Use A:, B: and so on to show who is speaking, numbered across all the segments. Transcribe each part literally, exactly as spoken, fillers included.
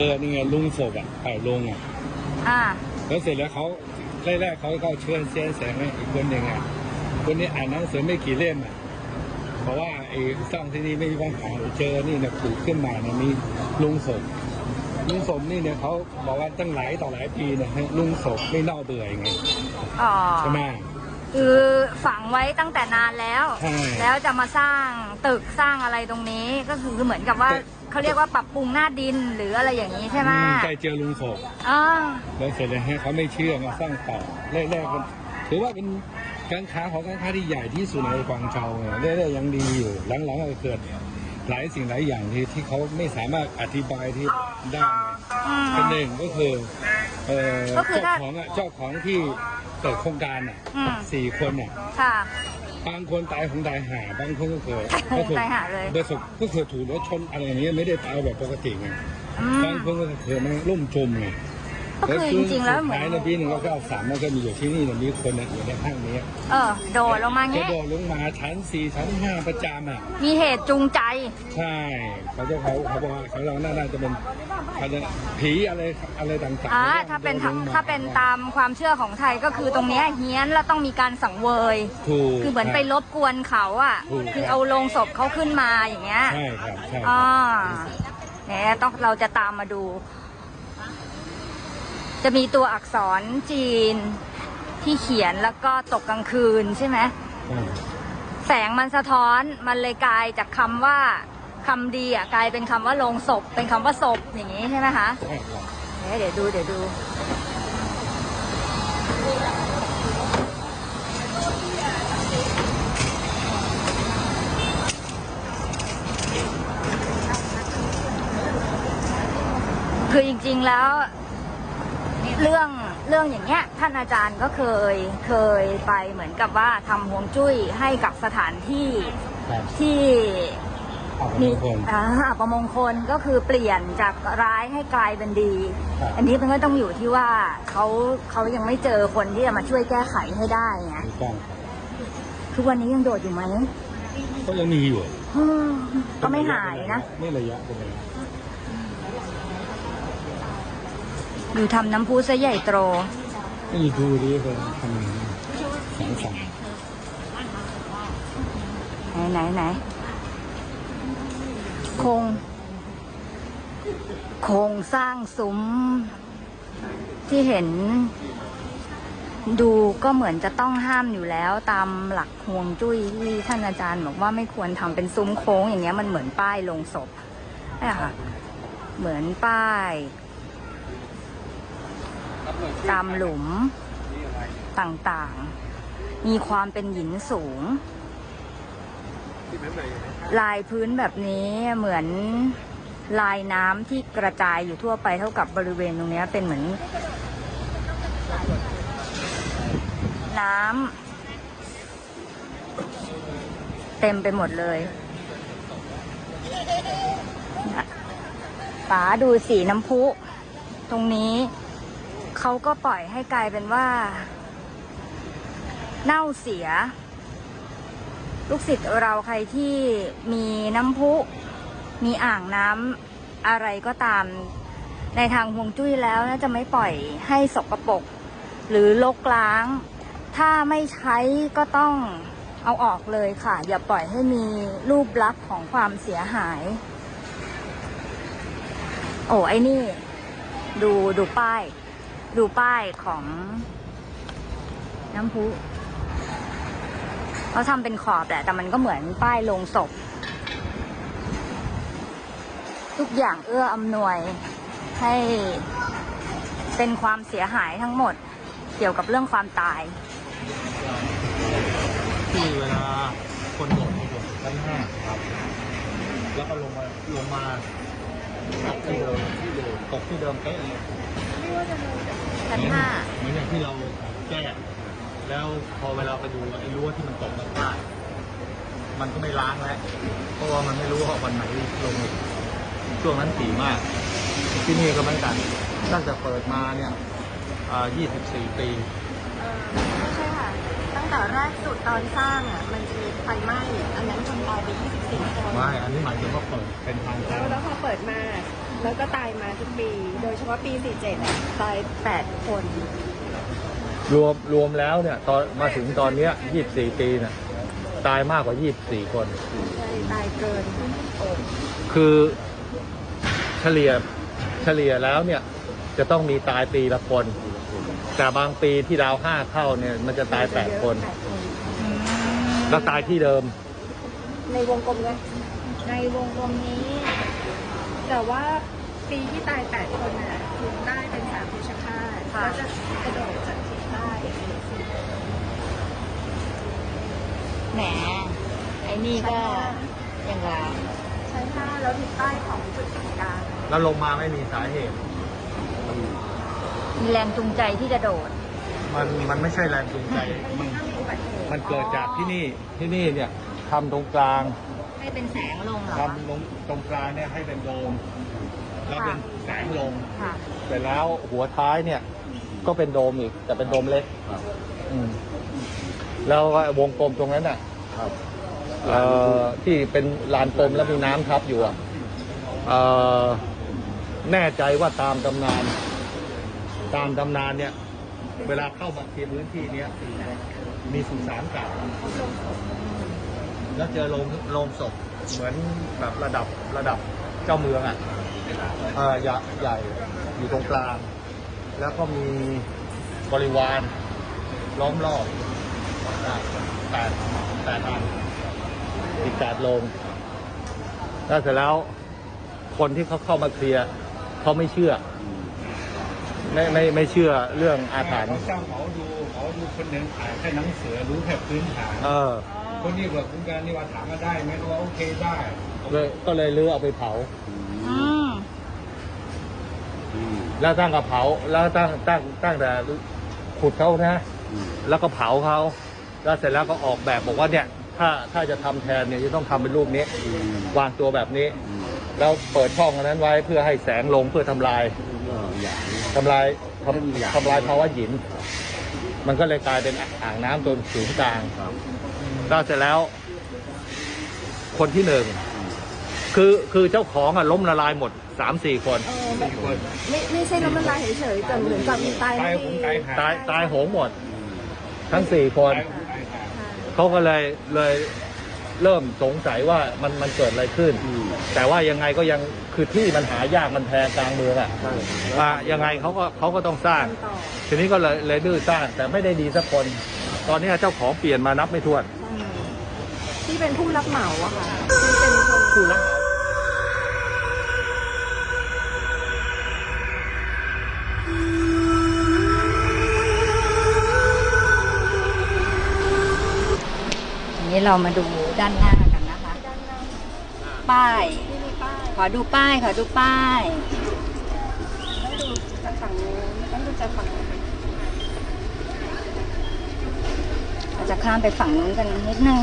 A: เออนี่ไงลุงศพอ่ะเป่าลุงอ่ะ
B: อ่า
A: แล้วเสร็จแล้วเขาแรกๆเขาก็เชิญเซียนแสงอีกคนหนึ่งอ่ะคนนี้อ่านหนังสือไม่กี่เล่มอ่ะเพราะว่าไอ้สร้างที่นี่ไม่มีปัญหาเจอนี่เนี่ยปลูกขึ้นมาเนี่ยมีลุงศพลุงศพนี่เนี่ยเขาบอกว่าตั้งหลายต่อหลายปีเนี่ยลุงศพไม่เน่าเบื่อยังไง
B: อ๋อ
A: ใช่ไหม
B: คือฝังไว้ตั้งแต่นานแล้วแล้วจะมาสร้างตึกสร้างอะไรตรงนี้ก็คือเหมือนกับว่าเขาเรียกว่าปรับปรุงหน้าดินหรืออะไรอย่างนี้ใช่ไหม
A: ใช่เจอลุงศพ
B: อ๋อ
A: แล้วเสร็จแล้วเขาไม่เชื่อมาสร้างต่อแรกๆกันถือว่าเป็นการค้าของการค้าที่ใหญ่ที่สุดในกวางโจวเนี่ยเรื่อยๆยังดีอยู่หลังๆก็เกิดหลายสิ่งหลายอย่างที่ที่เขาไม่สามารถอธิบายที่ได้เป็นหนึ่งก็คือเจ้าของอ่ะเจ้าของที่เปิดโครงการอ่ะสี่คนอ่ะบางคนตายของตายหาบางคนก็เกิดก็ถูกโดยสุดก็เกิดถูกรถชนอะไรอย่างเงี้ยไม่ได้ตายแบบปกติไงบางคนก็เกิดมันล่มจมไง
B: ก็คือจริงๆแล้วเหมือน
A: ในปีหนึ่งเราก็เอาสามมันก็มีอยู่ที่นี่มีคนอยู่ในห้างนี้
B: เออโดดลงมาเงี้ย
A: โดดลงมาชั้นสี่ชั้นห้าประจำอ่ะ
B: มีเหตุจูงใจ
A: ใช่เขาจะเขาเขาบอกเขาเราน่าจะเป็นเขาจะผีอะไรอะไรต่างๆ
B: อ่าถ้าเป็นถ้าเป็นตามความเชื่อของไทยก็คือตรงนี้เฮี้ยนแล้วต้องมีการสังเวยคือเหมือนไปรบกวนเขาอ่ะคือเอาโลงศพเขาขึ้นมาอย่างเงี้ย
A: ใช่ครับใช่
B: อ๋อเนี่ยต้องเราจะตามมาดูจะมีตัวอักษรจีนที่เขียนแล้วก็ตกกลางคืนใช่ไหมแสงมันสะท้อนมันเลยกลายจากคำว่าคำดีอ่ะกลายเป็นคำว่าโลงศพเป็นคำว่าศพอย่างนี้ใช่ไหมคะเดี๋ยวดูเดี๋ยวดูคือจริงๆแล้วเรื่องเรื่องอย่างเงี้ยท่านอาจารย์ก็เคยเคยไปเหมือนกับว่าทำฮวงจุ้ยให้กับสถานที่ที่มีอัปมงคลก็คือเปลี่ยนจากร้ายให้กลายเป็นดีอันนี้มันก็ต้องอยู่ที่ว่าเขาเขายังไม่เจอคนที่จะมาช่วยแก้ไขให้ได้ไงทุกวันนี้ยังโดดอยู่ไหม
A: ก็ยังมีอยู่
B: ก็ไม่หายนะ
A: ไม่ระยะเป็นไง
B: อยู่ทำน้ำพุซะใหญ่โต
A: นี่ดูดิเป็นทำสองส
B: ามไหนไหนไหนโครงโครงสร้างซุ้มที่เห็นดูก็เหมือนจะต้องห้ามอยู่แล้วตามหลักฮวงจุ้ยที่ท่านอาจารย์บอกว่าไม่ควรทำเป็นซุ้มโค้งอย่างเงี้ยมันเหมือนป้ายลงศพนี่ค่ะเหมือนป้ายตามหลุมต่างๆมีความเป็นหินสูงลายพื้นแบบนี้เหมือนลายน้ำที่กระจายอยู่ทั่วไปเท่ากับบริเวณตรงนี้เป็นเหมือนน้ำเต็มไปหมดเลยป๋าดูสีน้ำพุตรงนี้เขาก็ปล่อยให้กลายเป็นว่าเน่าเสียลูกศิษย์เราใครที่มีน้ำพุมีอ่างน้ำอะไรก็ตามในทางฮวงจุ้ยแล้วน่าจะไม่ปล่อยให้สกปรกหรือรกล้างถ้าไม่ใช้ก็ต้องเอาออกเลยค่ะอย่าปล่อยให้มีรูปลักษณ์ของความเสียหายโอ้ไอ้นี่ดูดูป้ายดูป้ายของน้ำพุเขาทำเป็นขอบแหละแต่มันก็เหมือนป้ายลงศพทุกอย่างเอื้ออำนวยให้เป็นความเสียหายทั้งหมดเกี่ยวกับเรื่องความตาย
C: ที่เวลาคนโดดลงชั้นห้าครับแล้วก็ลงมาลงมาตกที่เดิมที่เดิมตกที่เดิมเป๊ะเลย
B: ชั้นห้า
C: เหมือนอย่างที่เราแก้แล้วพอเวลาไปดูไอ้รั้วที่มันตกมาใต้มันก็ไม่ล้างแล้วเพราะว่ามันไม่รู้ว่าวันไหนลงช่วงนั้นถี่มากที่นี่ก็เหมือนกันตั้งแต่เปิดมาเนี่ยยี่สิบสี่ปี
D: ไม่ใช่ค่ะตั้งแต่แรกสุดตอนสร้างอ่ะมันจะมีไฟไหม้อันนั้นจนตายไปยี่สิบสี่คน
C: ไม่อันนี้หมายถึงว่าเปิดเป็นทางการ
D: แล้วพอเปิดมาแล้วก็ตายมาทุกปี โดยเฉพาะปีสี่สิบเจ็ดอะตายแปดคน
C: รวมรวมแล้วเนี่ยตอนมาถึงตอนเนี้ยยี่สิบสี่ปีเนี่ยตายมากกว่ายี่สิบสี่คน
D: ใช่ตายเกิน
C: คือเฉลี่ยเฉลี่ยแล้วเนี่ยจะต้องมีตายปีละคน แต่บางปีที่ดาวห้าเข้าเนี่ยมันจะตายแปดคน
D: แปดคน
C: แล้วตายที่เดิม
D: ในวงกลมเลย
B: ในวงกลมนี้
D: แต่ว่าปีที่ตายแปดคนน่ะคือได้เป็นสามเพชฌฆาต
B: ค่ะ
D: ก็จะกระโดดจากทิศใต้
B: แหมไอ้นี่ก็อย่างไร
D: ใช่ค่ะแล้วทิศใต้ของจุดศูนย์กลาง
C: แล้วลงมาไม่มีสาเหตุ
B: มีแรงจูงใจที่จะโดด
C: มันมันไม่ใช่แรงจูงใจ มัน
D: ถ้ามีอุบัติเหตุ
C: มันเกิดจากที่นี่ที่นี่เนี่ยทำตรงกลาง
B: ให้เป็นแสงลงเหรอ
C: ทำตรงตรงกลางเนี่ยให้เป็นโดมแล้วเป็นแสงลง
B: ค่ะ
C: เสร็จแล้วหัวท้ายเนี่ยก็เป็นโดมอีกแต่เป็นโดมเล็กอืมแล้ววงกลมตรงนั้นน่ะเอ่อที่เป็นลานกลมแล้วมีน้ำทับอยู่อ่ะเอ่อแน่ใจว่าตามตำนาน ตามตำนานเนี่ย เวลาเข้ามาเคลียร์พื้นที่เนี้ยมีสุสานเก่าแล้วเจอโรงโรงศพเหมือนแบบระดับระดับเจ้าเมืองอ่ะเอ่อใหญ่ใหญ่อยู่ตรงกลาง แล้วก็มีบริวารล้อมรอบอ่ะแปดแปดอันอีกแปดโรงแล้วเสร็จแล้วคนที่เขาเข้ามาเคลียร์เขาไม่เชื่อ ไม่ไม่ไม่เชื่อเรื่องอาถรรพ์
A: เขาสร้างเขาดูเขาดูคนหนึ่งขายแค่หนังสือรู้แค่พื้นฐาน
C: เออ
A: คนนี้แบบคุณการนี่ว่าถามมาได้ไหมว่าโอเคได้
C: เลยก็เลยลื้อเอาไปเผา
B: อืม
C: แล้วตั้งกับเผา แล้วตั้งตั้งตั้งแต่ขุดเขานะ แล้วก็เผาเขา แล้วเสร็จแล้วก็ออกแบบบอกว่าเนี่ย ถ้าถ้าจะทำแทนเนี่ยจะต้องทำเป็นรูปนี้ วางตัวแบบนี้ แล้วเปิดช่องอันนั้นไว้เพื่อให้แสงลงเพื่อทำลายทำลายทำทำลายภาวะหยิน มันก็เลยกลายเป็นอ่างน้ำตัวศูนย์กลางแล้วเสร็จแล้ว คนที่หนึ่งคือคือเจ้าของอะล้มละลายหมดสามสี่คน
D: เออแบบไม่ไม่ใช่ล้มละลายเฉยๆแต่เหมือนกับมีตาย
A: ตาย
D: ไม่
A: ผม
D: ดี
A: ตายหา
C: ตายตายโหงหมด ทั้งสี่คน
A: ตายผมตายหา
C: เขาก็เลยเลยเริ่มสงสัยว่ามันมันเกิดอะไรขึ้น แต่ว่ายังไงก็ยังคือที่มันหายากมันแพงกลางเมืองอ่ะอ่ะยังไงเขาก็เขาก็ต้องสร้าง
D: ต่อ
C: ทีนี้ก็เลยเลยดื้อสร้าง แต่ไม่ได้ดีสักคน ตอนนี้เจ้าของเปลี่ยนมานับไม่ถ้วน
D: ใช่ที่เป็นผู้รับเหมาอะค่ะที่เป็นคน
C: ผู้รับ
B: ทีนี้เรามาดูด้านหน้ากันนะคะ ป้าย
D: ที่มีป้าย
B: ขอดูป้าย ขอดูป้าย
D: ต้องดูจากฝั่งนู้นต้องดูจากฝั่งนู้น
B: เราจะข้ามไปฝั่งนู้นกันนิดนึง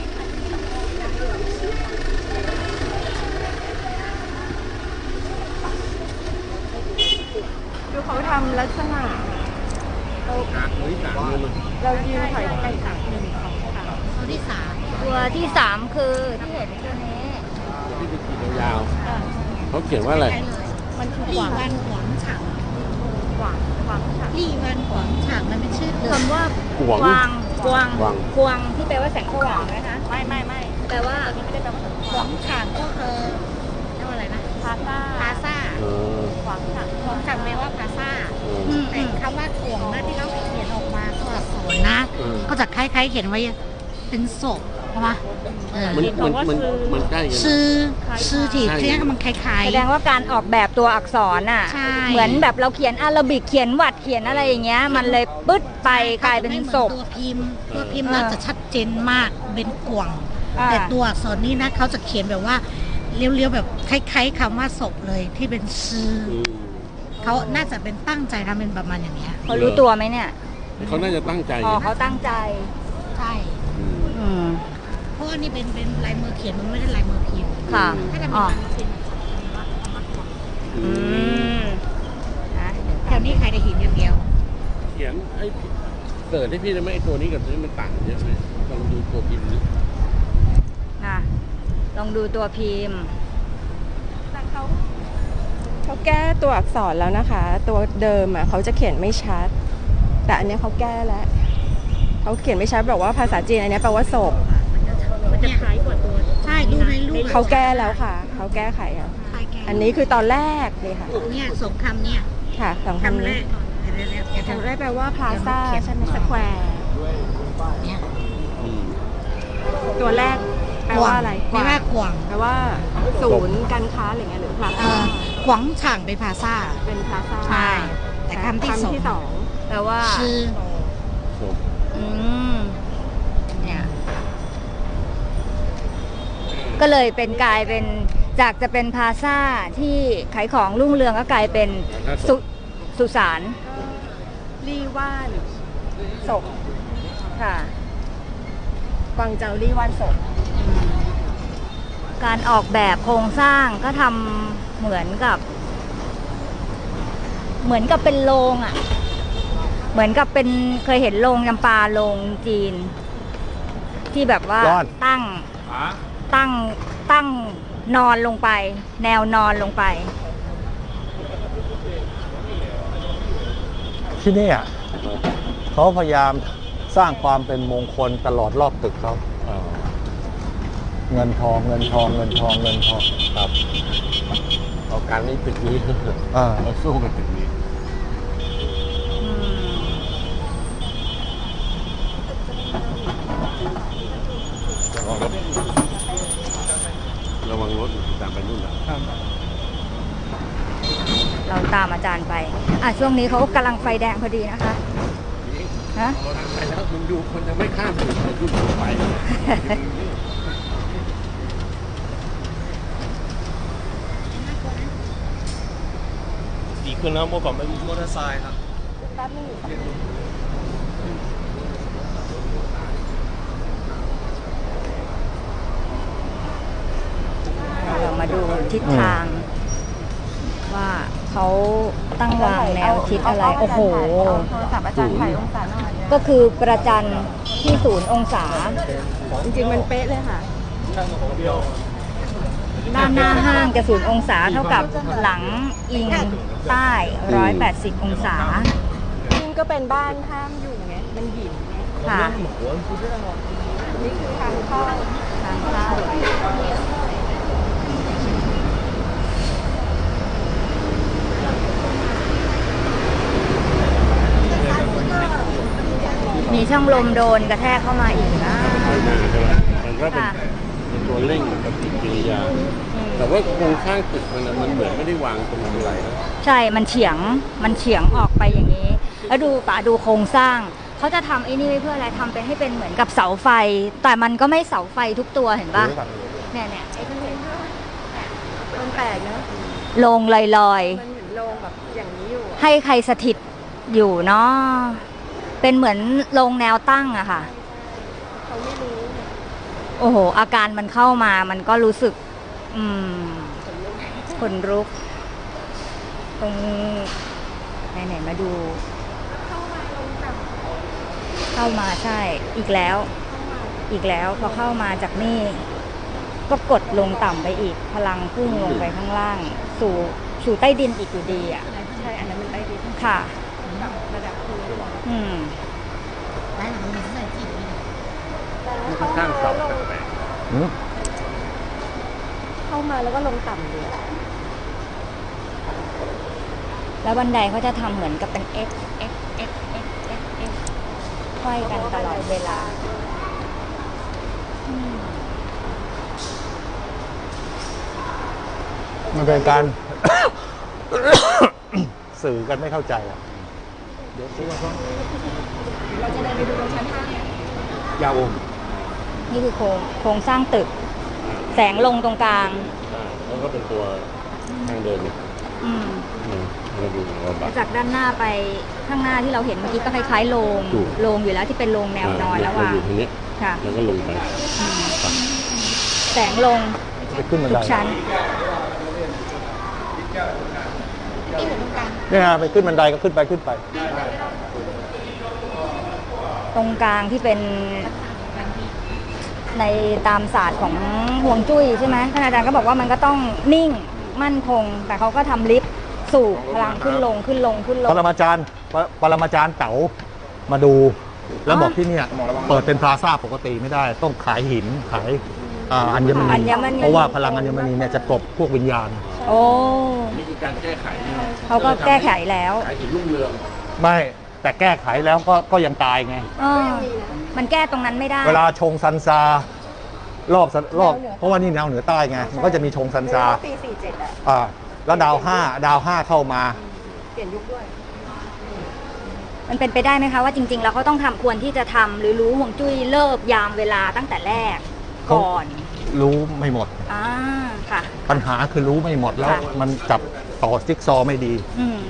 D: ดูเขาทำลักษณะเราเรายืนถอยไปสามหนึ่งสองสาม
B: ตัวที่สามตัวที่สามคือที่เห็นตัวนี้
E: ที่เป็นขีดยาวๆเขาเขียนว่าอะไร
D: มันคือ
F: ลี่
D: หวัง
F: วันหวางฉาง
D: หวังหวังค่ะ
F: ลี่วันหวางฉางมันเป็นชื่อเดิม
B: คำว่า
E: หวง
B: กวางกวาง
E: กวาง
B: กวางที่แปลว่าแสงสว่างนะคะ
D: ไม่ไม่ไม่
B: แปลว่า
D: ไม่ได้แปลว่า
F: หวางฉางก็คือเรียกว่าอะไรนะ
D: พาซ่า
F: พาซ่า
E: เออ
D: หวังค่ะ
F: หวางฉางแปลว่าพาซ่า
E: เออ
B: อืม
F: แต่คำว่าถ่วงนะที่เขาเขียนออกมาตัวอักษรนะ
E: เออ
F: ก็จะคล้ายๆ เขียนไว้เป็นศพใช่ปะเออ
E: มันมันมันมันใกล้กันนะ
F: ชื่อชื่อที่
E: ใช่
F: ที่มันคล้าย
B: แสดงว่าการออกแบบตัวอักษรน่ะ
F: ใช่
B: เหมือนแบบเราเขียนอาราบิกเขียนวัดเขียนอะไรอย่างเงี้ย มันเลยปึ๊ดไป
F: ๆ
B: กลายเป็น
F: ไม่หมือ
B: ศพ
F: ตัวพิมพ์ตัวพิมพ์
B: เออ
F: น่าจะชัดเจนมากเป็นกวาง
B: อ่า
F: แต่ตัวอักษรนี้นะเขาจะเขียนแบบว่าเรียวๆแบบคล้ายๆคำว่าศพเลยที่เป็นชื่อ
E: อืม
F: เขาน่าจะเป็นตั้งใจทำเป็นประมาณอย่างเนี้ย
B: เขารู้ตัวไหมเนี่ย
E: เขาน่าจะตั้งใจ
B: อ๋อ
E: นะ
B: เขาตั้งใจ
F: ใช่
E: อืม
B: อืม
F: เพราะอันนี้เป็นเป็นลายมือเขียนมันไม่ได้ลายมือพิมพ์
B: ค่ะ
F: ถ้าจะเป็น
B: อ๋อ
F: ลายมือพิมพ์มันจะเป็นว่าคำว่า
E: อื
B: อื
E: ม
B: มนะ
F: แถวนี้ใครได้หินอย่างเดียว
E: เขียนไอ้เกิดให้พี่ได้ไหมไอ้ตัวนี้กับตัวนี้มันต่างกันเยอะไหมลองดูตัวพิมพ์ดิ
B: นะลองดูตัวพิมพ์
D: แต่เขาเขาแก้ตัวอักษรแล้วนะคะ ตัวเดิมอ่ะเขาจะเขียนไม่ชัด แต่อันเนี้ยเขาแก้แล้วเขาเขียนไม่ชัดบอกว่าภาษาจีนอันเนี้ยแปลว่าศพ
F: มันจะคล้ายกว่าตัวใช่ดูในรูป
D: เขาแก้แล้วค่ะเขาแก้ไขแล้วอันนี้คือตอนแรกเลยค่ะ
F: เนี่ยสองคำเนี่ย
D: ค่ะสองคำ
F: คำแร
D: นี้
F: กเดี๋ยวๆเดี๋ยวๆ
D: คำแรกแปลว่าพลาซ่าใช่ไหมสแควร์
F: เนี่ย
E: อืม
D: ตัวแรกแปลว่าอะไร
F: แปลว่าขวาง
D: แปลว่าศูนย์การค้าอะไรเงี้ยหรือพลา
F: เอ่
D: ซ่า
F: อขวางฉ่างเป็นภาษา
D: เป็นพลาซ่า
F: ใช่ แต่คำที่สอง
D: ที่สอง
B: แปลว่า
F: ชื่อ
E: ศพ
B: อืมเนี่ยก็เลยเป็นกลายเป็นจากจะเป็นพลาซ่าที่ขายของรุ่งเรืองก็กลายเป็นสุสุสาน
D: ลี่ว่านศพ
B: ค่ะ
D: กวางเจาลี่ว่านศพ
B: การออกแบบโครงสร้างก็ทำเหมือนกับ เหมือนกับเป็นโรงอ่ะ เหมือนกับเป็นเคยเห็นโรงยำปาโรงจีน ที่แบบว่าตั้งตั้งตั้งนอนลงไป แนวนอนลงไป
C: ที่นี่อ่ะเขาพยายามสร้างความเป็นมงคลตลอดรอบตึกเขา
E: อ่า
C: เงินทองเงินทองเงินทองเงินทอง
E: ครับเอาการนี้ตึกนี้
C: อ่า
E: เราสู้กับตึกนี้
B: อืม
E: ระวังรถระวังรถตามไปนู่นนะ
B: เราตามอาจารย์ไป อ่ะช่วงนี้เขากำลังไฟแดงพอดีนะคะ ฮะ
E: ไปแล้วมึงดูคนจะไม่ข้ามถึงจะยุ่งไป
C: ดีขึ้นแล้วเมื่อก่อนเป็นมอเตอร์ไซค์ครับ
B: เรามาดูทิศทาง ว่าเขาตั้งวางแนวคิดอะไร โอ้โห
D: โทรศัพท์อาจารย์ถ่ายองศาหน่อย
B: ก็คือประจันที่ศูนย์องศา
D: จริงๆมันเป๊ะเลยค่ะ
B: ด้านหน้าห้างจะศูนย์องศาเท่ากับหลังอิงใต้ร้อยแปดสิบองศา
D: นี่ก็เป็นบ้านห้ามอยู่ไง มันหินไง
B: ค่ะ
D: นี่คือทางเข้า
B: ทางเข้ามีช่องลมโดนกระแทกเข้ามาอีกนะ
E: ไปหน้าใช่ไหมมันก็เป็น
B: ค่ะ
E: เป็นตัวเร่งปฏิกิริยา แต่ว่าโครงสร้างตึกมันน่ะมันเหมือนไม่ได้วางตรงอะไรนะ
B: ใช่ มันเฉียง มันเฉียงออกไปอย่างนี้ แล้วดูป่าดูโครงสร้าง เขาจะทำไอ้นี่ไว้เพื่ออะไรทำเป็นให้เป็นเหมือนกับเสาไฟ แต่มันก็ไม่เสาไฟทุกตัวเห็นปะเนี่ยเนี่ยไอ้ที่เห็น
D: มันแปลกนะ
B: โลงลอย
D: มันเหมือนโรงแบบอย่างนี้อยู่
B: ๆ
D: อะ
B: ให้ใครสถิตอยู่เนาะ เป็นเหมือนโรงแนวตั้งอะค่ะ
D: เขาไม่รู้
B: โอ้โห อาการมันเข้ามา มันก็รู้สึก อืมขนลุก ตรงไหนๆมาดู เข้ามาใช่ อีกแล้ว อีกแล้ว พอเข้ามาจากนี่ ก็กดลงต่ำไปอีก พลังพุ่งลงไปข้างล่าง สู่ สู่ใต้ดินอีกอยู่ดีอ่ะ
D: ใช่ อันนั้นมันได้ดี
B: ค่ะ
D: ระดับพื้น
B: อืม
F: ร้านหลังมีใส่ที่
E: มันก็สร้างเสาแปลก
D: เข้ามาแล้วก็ลงต่ำเลย
B: แล้วบันไดเขาจะทำเหมือนกับเป็น X X X X X X ค่อยกันตลอดเวลาอืม
C: มันเป็นการ สื่อกันไม่เข้าใจอ่ะ
E: ยาวม
B: นี่คือโครงโครงสร้างตึก แสงลงตรงกลาง
E: อ่าแล้วก็เป็นตัวทางเดินเนี่ย
B: อืม
E: อืมเราดูเราบั
B: แล้
E: ต
B: วจากด้านหน้าไปข้างหน้าที่เราเห็นเมื่อกี้ก็คล้ายๆโรง
E: ถูก
B: โรงอยู่แล้วที่เป็นโรงแนวนอนแล้ว
E: เรา
B: ว่า
E: อยู่ทางเนี้ย
B: ค่ะ
E: แล้วก็ลงไป
B: แสงลง
C: ไปขึ้นบัน
B: ทุ
C: ได
B: กชั้น
C: เนี่ยนะไปขึ้นบันไดก็ขึ้นไปขึ้นไป
B: ตรงกลางที่เป็นในตามศาสตร์ของห่วงจุ้ยใช่ไหมท่านอาจารย์ก็บอกว่ามันก็ต้องนิ่งมั่นคง แต่เขาก็ทำลิฟต์สูบพลังขึ้นลงขึ้นลงขึ้นล
C: ป
B: ง
C: รมาจารย์ปรปรมาจารย์เต๋ามาดู แล้วบอกที่เนี่ยเปิดเป็นพลาซ่าปกติไม่ได้ ต้องขายหินขายอ่าอัญม
B: อั
C: ณี
B: ญมณี
C: เพราะว่าพลังอัญมณีเนี่ยจะกลบพวกวิญญาณ
B: โอ้
E: นี่คือการแก้ไขนะ
B: เขาก็แก้ไขแล้ว
E: ขายหินรุ่งเรือง
C: ไม่แต่แก้ไขแล้วก็ก็ยังตายไง
B: เออมันแก้ตรงนั้นไม่ได้
C: เวลาชงซันซารอบสันรอบเพราะว่านี่แนวเหนือใต้ไงมันก็จะมีชงซันซา
D: ปีสี่สิบเจ็ดอะ
C: อ่าแล้วดาวห้าดาวห้าเข้ามา
D: เปลี่ยนยุคด้วย
B: มันเป็นไปได้ไหมคะว่าจริงๆแล้วเขาต้องทำควรที่จะทำหรือรู้ห่วงจุ้ยเลิกยามเวลาตั้งแต่แรกก่อน
C: รู้ไม่หมด
B: อ่าค่ะ
C: ปัญหาคือรู้ไม่หมดแล้ว
B: ค่ะ
C: มันจับต่อจิ๊กซอว์ไม่ดี
B: อืม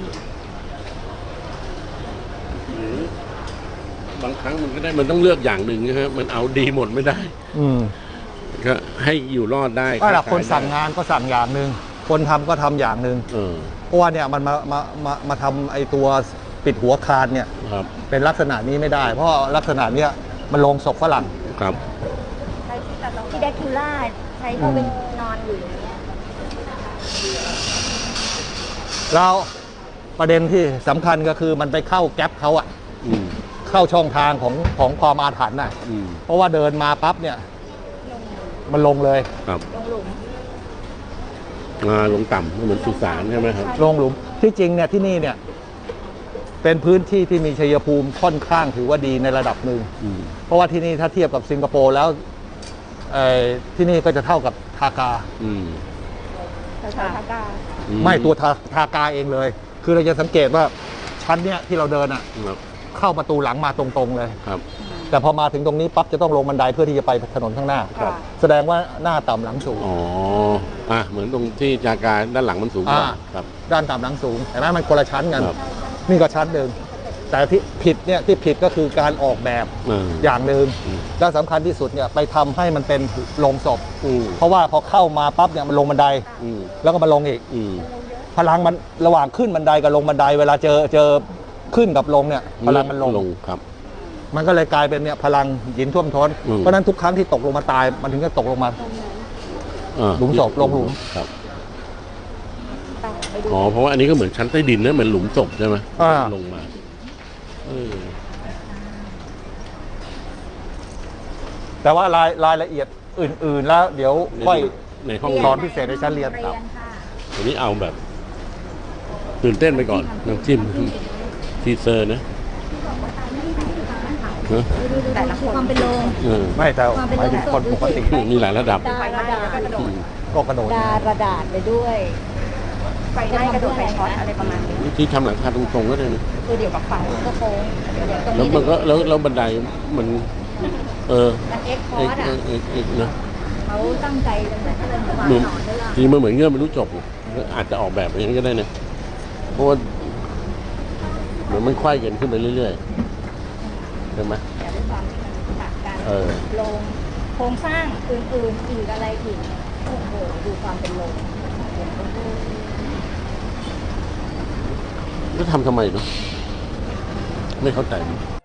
E: หรือบางครั้งมันก็ได้มันต้องเลือกอย่างหนึ่งนะฮะมันเอาดีหมดไม่ได้
C: อืม
E: ก็ให้อยู่รอดได้
C: ก็แหละ
E: ขาย
C: คนสั่ง
E: ได้
C: งานก็สั่งอย่างหนึ่งคนทำก็ทำอย่างหนึ่ง
E: เออ
C: เพราะว่าเนี่ยมันมามามามาทำไอ้ตัวปิดหัวคานเนี่ย
E: ครับ
C: เป็นลักษณะนี้ไม่ได้ เพราะลักษณะเนี้ยมันลงศพฝรั่ง
E: ครับ
B: ที่แดกคิวล่าใช้เขาเป็นนอนอยู่อย่างเงี้ย
C: แล้วประเด็นที่สำคัญก็คือมันไปเข้าแก๊ปเขาอะ
E: อืม
C: เข้าช่องทางของของความอาถรรพ์น่ะ
E: อืม
C: เพราะว่าเดินมาปั๊บเนี่ย มันลงเลย
E: ครับ
B: ลงหลุม
E: อ่าลงต่ำเหมือนสุสานใช่ไหมครับ
C: ลงหลุมที่จริงเนี่ยที่นี่เนี่ย เป็นพื้นที่ที่มีชัยภูมิค่อนข้างถือว่าดีในระดับหนึ่ง
E: อืม
C: เพราะว่าที่นี่ถ้าเทียบกับสิงคโปร์แล้วเอ่อที่นี่ก็จะเท่ากับทากา
E: อืม
D: แต่ชาวทากา
E: อื
C: ไม่ตัวทาทากาเองเลย คือเราจะสังเกตว่าชั้นเนี้ยที่เราเดินอ่ะ
E: ครับ
C: เข้าประตูหลังมาตรงๆเลย
E: ครับ
C: แต่พอมาถึงตรงนี้ปั๊บจะต้องลงบันไดเพื่อที่จะไปถนนข้างหน้า
E: ครับ
C: แสดงว่าหน้าต่ำหลังสูง
E: อ๋ออ่ะเหมือนตรงที่จาการด้านหลังมันสูงกว่า
C: อ่า
E: ครับ
C: ด้านต่ำหลังสูงเห็นไหมมันคนละชั้นกัน
E: ครับ
C: นี่ก็ชั้นหนึ่งแต่ที่ผิดเนี่ยที่ผิดก็คือการออกแบบ
E: เออ
C: อย่างหนึ่ง
E: อืม
C: และสำคัญที่สุดเนี่ยไปทำให้มันเป็นโรงศพ
E: อืม
C: เพราะว่าพอเข้ามาปั๊บเนี่ยมันลงบันได
E: อืม
C: แล้วก็มาลงอีก
E: อืม
C: พลังมันระหว่างขึ้นบันไดกับลงบันไดเวลาเจอเจอขึ้นกับลงเนี่ยพลังมันลง
E: ลงครับ
C: มันก็เลยกลายเป็นเนี่ยพลังหินท่วมท้น
E: อืม
C: เพราะฉะนั้นทุกครั้งที่ตกลงมาตายมันถึงจะตกลงมา
E: เออ
C: หลุมศพลงหลุม
E: ครับ
B: ไปดู
E: อ๋อเพราะว่าอันนี้ก็เหมือนชั้นใต้ดินนะเหมือนหลุมศพใช่ไหม
C: อ่า
E: ลงมาเออ
C: แต่ว่ารายรายละเอียดอื่น ๆ แล้วเดี๋ยวค่อย
E: ในห้อง
C: สอนพิเศษในชั้นเรียน
B: เรียนค่ะ
E: อันนี้เอาแบบตื่นเต้นไปก่อนน้ำจิ้มทีเซอร์นะเนอะ
B: แต่ละคนความเป็นโรง
E: เออ
C: ไม่แต่หมายถึงคนปกติ
E: มีหลายระดับ
B: ดาระดาษ
E: อืม
C: ก็กระโดด
B: ดาระดาษไปด้วย
D: ไฟไหม้กระโดดไฟช็อตอะไรประมาณนี้
E: ที่ทำหลังคาตรงๆก็ได้นะ
D: คือเดี๋ยวกับไฟ
B: ก็โค้งเดี๋ยวตรง
E: แล้ว
B: นี้
E: มันก็แล้วแล้วบันไดมัน เออ
B: มันเอ็กคอ
E: เอก
B: ร์ด
E: เอ
B: อ่ะ
E: กเอกเอกนะ
B: เขาตั้งใจจะเหมือนเขาเป็นวาง
E: เหมือน
B: ต่อเนื่อง
E: จริงมันเหมือนเงื่อนไม่รู้จบอาจจะออกแบบอย่างนี้ก็ได้นะเพราะว่าเหมือนมันไขว้กันขึ้นไปเรื่อยๆใช่ไหม
B: แต่ด้วยความที่มันขาดการ
E: เออ
B: ลงโครงสร้างอื่นๆอีกอะไรอีกโอ้โหดูความเป็นลง
E: แล้วทำทำไมเนาะไม่เข้าใจ